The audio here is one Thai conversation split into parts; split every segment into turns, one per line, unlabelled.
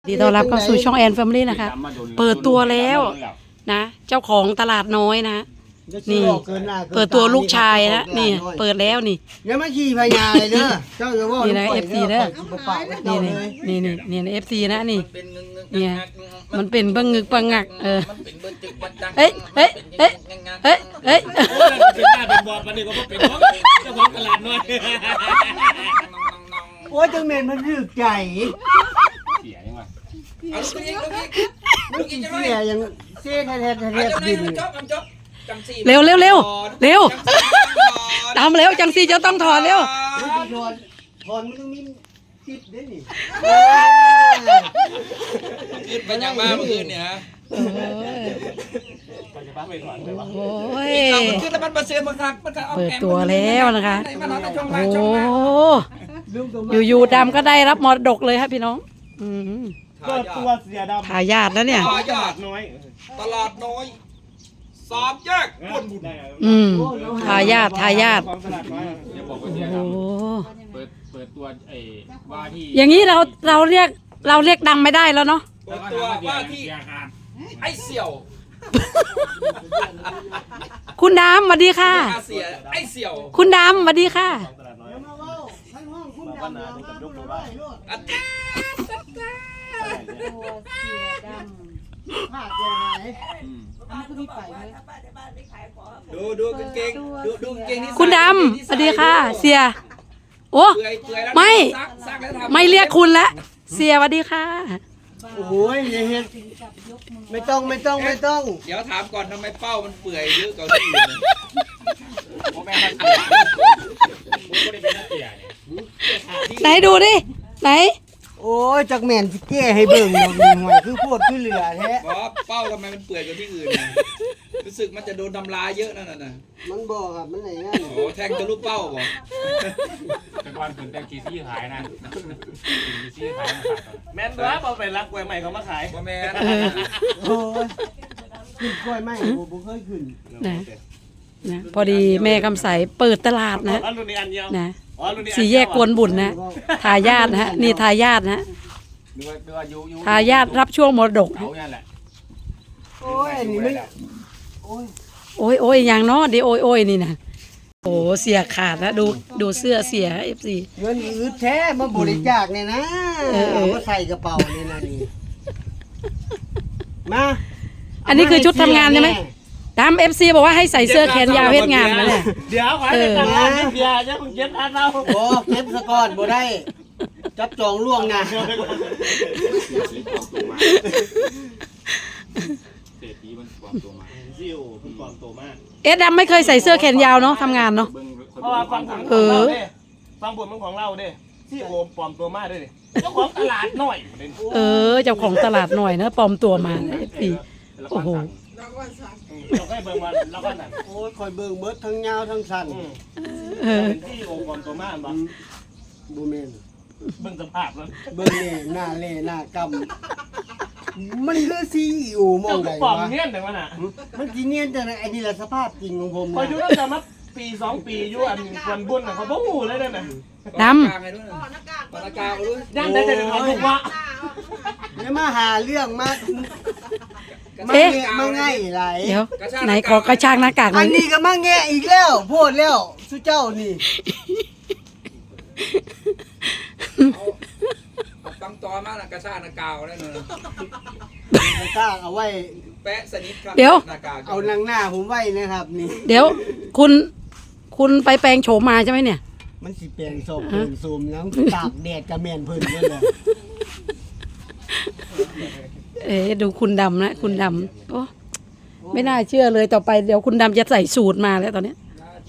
ดีต้อนรับเข้าสู่ช่องแอนแฟมิลี่นะคะเปิดตัวแล้วนะเจ้าของตลาดน้อยนะนี่เปิดตัวลูกชายนะนี่เปิดแล้วนี่
ยังไม่ขี่พญาเลยเด้อเจ้าจะว่า
นี่นะ FC เด้อ
นี่
นี่ FC นะนี่เนี่ยมันเป็นบังงึกบังงักเอ้ยเอ้ยเอ้ยเอ้ยเอ้ย
เป็นหน้าเป็นบอดวันนี้ก็เป็นเจ้าของตลาดน้อย
โอ้ยจังเมนมันรึกใจ
เสียยังไง
ลูกอีกเสียยังเสียแท้ดิน
เร็วเร็วเร็วเร็วทำเร็วจังซีจะต้องถอนเร็ว
ถอนมันต้องมีติดด้วยนี่
ขึ้นไปยังบ้านเมื่อคืนเนี่ยฮะ
โอ้ย
ขึ้นแล้วมันมาเสือมาคักมันเอา
เปิดตัวแล้วนะคะโอ้อยู่ๆดำก็ได้รับมรดกเลยครับพี่น้อง
ก็ตัวเสียดำ
ทายาทแล้วเนี่ย
ตลาดน้อยตลาดน้อยสามแยกบนบุญ
ทายาทโอ้
เปิดตัวว่าที่
อย่างนี้เราเรียกดังไม่ได้แล้วเนาะ
เปิดตัวว่าที่ไอ้เสี่ยว
คุณดำสวัสดีค่ะ
ไอ้เสี่ยว
คุณดำสวัสดีค่ะ
ดูกางเกงดูกางเกงนี่
คุณดำสวัสดีค่ะเสียโอ้ไม่เรียกคุณแล้วเสียสวัสดีค่ะ
โอ้ยไม่ต้องเ
ดี๋ยวถามก่อนทำไมเป้ามันเปื่อยเยอะกว่าที่อื่น
ไหนดูดิไหน
โอ้ยจักแม่นสิแก้ให้เบิ่งหน่อยคือโคตรคือเหลือแท้
เป้าทำไมมันเปื่อยกว่าที่อื่นรู้สึกมันจะโดนทำลายเยอะนั่นน่ะ
มันบอกครับมันไหนงั้น
โอ้แทงจะลูกเป้าบอก
แต่ก่อนถึงแตงกีซี่ขายนะกีซี่ขายมาขายแมนด้วยเอาไปรักกล้วยใหม่เขามาขาย
ว่าแมน
โอ้ยขึ้นกล้วยใหม่ผมเคยขึ้น
นะพอดีแม่คำใสเปิดตลาดนะสี่แยกกวนบุญนะทายาทนะฮะนี่ทายาทนะทายาทรับช่วงมรดก
โอ้ยนี่ไม่
โอ้ยอย่างเนาะดิโอ้ยนี่นะโอ้เสียขาดแล้วดูเสื้อเสีย FC
เงินอืดแท้มาบริจาคเนี่ยนะมาใส่กระเป๋าเนี่ยนะนี่มา
อันนี้คือชุดทำงานใช่ไหมตาม FC บอกว่าให้ใส่เสื้อแขนยาวเฮ็ดงานนะเนี่ย
เดี๋ยวขอให้ทำงานนิดเดียวจะมึงเก็บอันเรา
โอ้เก็บสะก้อนบ่ได้จับจองล่วงนะ
เศรษฐีมันความตัวมาซิ่วมันความตัวมาก
ดำไม่เคยใส่เสื้อแขนยาวเนาะทำงานเนาะ
เพราะว่าฟังผลมันของเราเด้ที่โอมปลอมตัวมาด้วยเจ้าของตลาดหน่อย
เจ้าของตลาดหน่อยนะปลอมตัวมาสิโอ้โห
เราก็เบิ่งวันเราก็นั่น
โอ้ยคอยเบิ่งเบิดทั้งยาวทั้งสั้น
เป็นที่โอมปลอมตัวมาบ่
บูเมน
เบิ่งสภาพแล้ว
เบิ่งนี่หน้าเล่หน้ากำมันคือซีอูมองได้
ปลอมเนียนแต่ว่าน่ะ
มันจีเนียนแต่ไอ้นี่แหละสภาพจริงของผม
พออยู่ตั้งแต่มาปี2 ปีอยู่อันคนบุญน่ะเขาบ่ฮู้เลยเด้อน่ะ
ดำ
ย่านได้แต่เขาถูกว่า
เนี่ยมาหาเรื่องมาง่ายไร
เดี๋ยวไหนขอกระชากหน้ากาก
อันนี้ก็มาแง่อีกแล้วโพดแล้วสุเจ้านี่
ตั้งตัวมากระชากหน้ากากได้เลย
กระชากเอาไว้
แปะสนิทครับ
เดี๋ยว
เอานางหน้าผมไว้นะครับนี่
เดี๋ยวคุณไปแปลงโฉมมาใช่ไหมเนี่ย
มันสิแปลงโฉมเป็นซูมแล้วตากแดดกระแมนเพิ่นเลย
ดูคุณดำนะคุณดำโอ้ไม่น่าเชื่อเลยต่อไปเดี๋ยวคุณดำจะใส่สูตรมาแล้วตอนนี้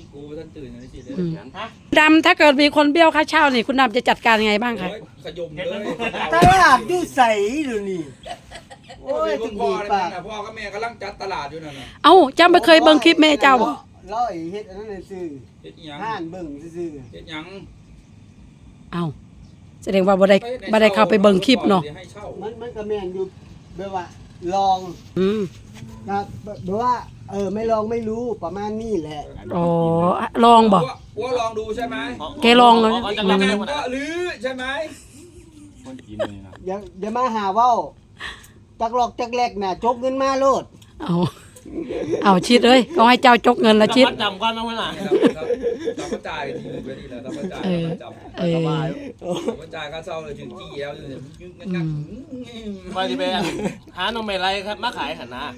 ดำถ้าเกิดมีคนเบี้ยวค่าเช่านี่คุณดำจะจัดการยังไงบ้างคะ
ตลาดดูใสดูนี่โอ้ย
พ่อพ่อกับแม่กำลังจัดตลาดอยู่นั่นน่ะ
เอ้าจำไม่เคยเบิ่งคลิปแม่เจ้าบ่
ร้อยเฮ็ดอันนั้นซื่อห่านเบิ่งซื่อ
เฮ็ดหยัง
เอ้าแสดงว่าบ่ได้เข้าไปเบิ่งคลิปเนาะ
มันก็แม่นอยู่แบบว่าลองนะแบบว่าไม่ลองไม่รู้ประมาณนี้แหละ
อ๋อลองบ่
ว่าลองดูใช่ไหม
แกลองเลย
ก็หรือใช่ไหมคนกินเลยนะ
อย่ามาหาเว้าจักหลอกจักแลกน่ะจกเงินมาโลด
เอาชิดเอ้ยก็ให้เจ้าจกเงินละชิด
จำก่อนนะเพื่อน
เราก็จ่ายทีไปนี่แหละเราก็จ่ายเราจับ
เออ
เราก็จ่ายค่าเช่าเลยถึงจี้แล้วอยู่งัก
ไปที่ไปหาหนมไม่ไรครับมาขายหันนะ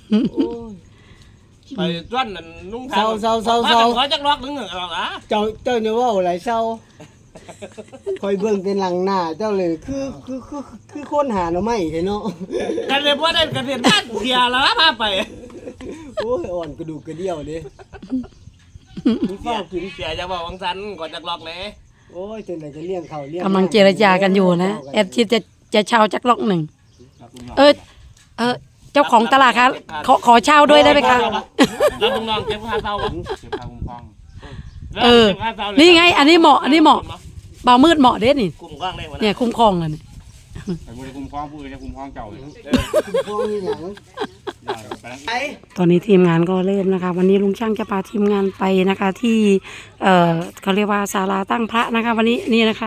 ไปจ้วนนั่นนุ่งทางขอจักล็อกนึงหรอกอ่ะ
เจ้าเนี่ยเว้าหลายเศร้าคอยเบิ่งเป็นหลังหน้าเจ้าเลยคือคนหาหน่อไม้เห็นเนาะ
กันเลยว่าได้กันเรียนบ้านเดียแล้วพาไป
โอ้ยอ่อนกระดูกกระเดี่ยวเด้มีฟ้ากิน
เสียจะบอกวังสันก่อนจักล็อกเลย
โอ้ยจนไหนจะเลี้ยงเขาเลี้ยง
กำลังเจรจากันอยู่นะแอดชิดจะเช่าจักล็อกหนึ่งเเจ้าของตลาดคะขอเช่าด้วยได้ไหมคะ
แล้วลุงน้องเก็บค่าเช่าเก็บค่าคุ้มครอง
นี่ไงอันนี้เหมาะเบามืดเหมาะเด้นี่
คุ้มครองเลยวัน
เนี่ยคุ้มครองเลย
แต่บุรีคุ้มครองผู้อื่นจะคุ้มครองเจ้าเลย
พวกนี้หยังไอ้
ตอนนี้ทีมงานก็เริ่มนะคะ วันนี้ลุงช่างจะพาทีมงานไปนะคะ ที่เขาเรียกว่าศาลาตั้งพระนะคะ วันนี้นี่นะคะ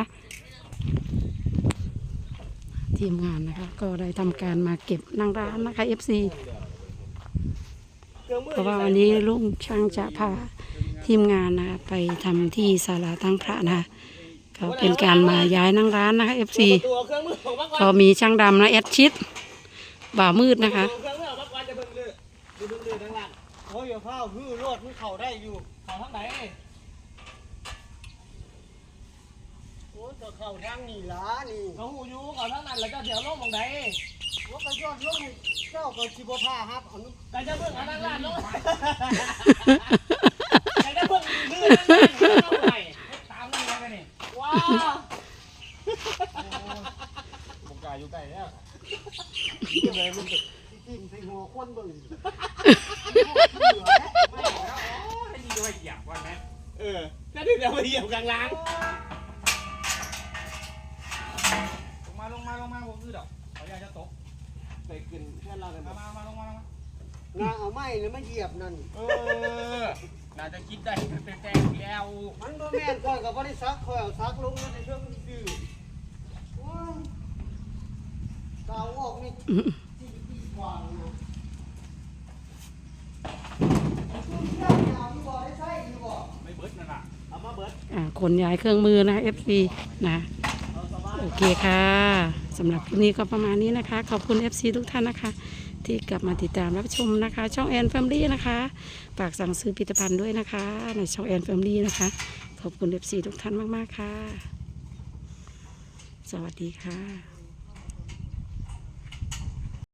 ทีมงานนะคะ ก็ได้ทำการมาเก็บนั่งร้านนะคะ FC เพราะว่าวันนี้ลุงช่างจะพาทีมงานนะคะไปทำที่ศาลาตั้งพระนะคะก็เป็นการมาย้ายนั่งร้านนะคะ FC
ตัวเครื่องมือของมัก
ก็มีช่างดำนะแอดชิดบ่ามืดนะคะ
เครื่องมือของมักวันจะเบิ่งเลือดดูเลือดทั้งหลัง
โอ้ยอย่าพาฮื้อรถมันเข้าได้อยู่
เขาทั้งไหน
โอ้ยก็เข้าทางนี่ล่ะนี่
เขาหูยูเขาทั้งนั้นแล้วก็เดี๋ยวลงมองไหน
ว่าก็ยอดลงให้เจ้าก็สิบ่พาครับเอานุ
แต่จะเบิ่งอันนั้นล่ะลงแต่จะเบิ่งเลือดนั่นไหนตามนั่นแล้วกันนี่ว้าวผมกายอยู่ใกล้แล้ว
เลยมันติ่งใส่หัวคนเบิ่ง
ให้ดีด้วยเหยียบวันไหมถ้าที่เดี๋ยวไปเหยียบกลางล้าง
ลงมาผมคือดอกเขาอยากจะตก
ไปกินเพื่อนเราเลย
มาลงมา
งาเอาไม้แล้วมาเหยียบนั่น
น่าจะคิดได้เป็นแตงแล้ว
มันบ่แม่นก่อนก็บ่ได้ซักข่อยเอาซักลงแล้วในเครื่องดื้อโอ้ยกาวออกนี่ที่กว่านะ
ไม่เบิร์ดนั่นแหละเอามาเบิร์ด
ขนย้ายเครื่องมือนะ FC นะโอเคค่ะสำหรับคลิปนี้ก็ประมาณนี้นะคะ ขอบคุณ FC ทุกท่านนะคะ ที่กลับมาติดตามรับชมนะคะ ช่องแอนแฟมิลี่นะคะฝากสั่งซื้อผลิตภัณฑ์ด้วยนะคะ ในช่องแอนแฟมิลี่นะคะ ขอบคุณ FC ทุกท่านมากๆค่ะ สวัสดีค่ะ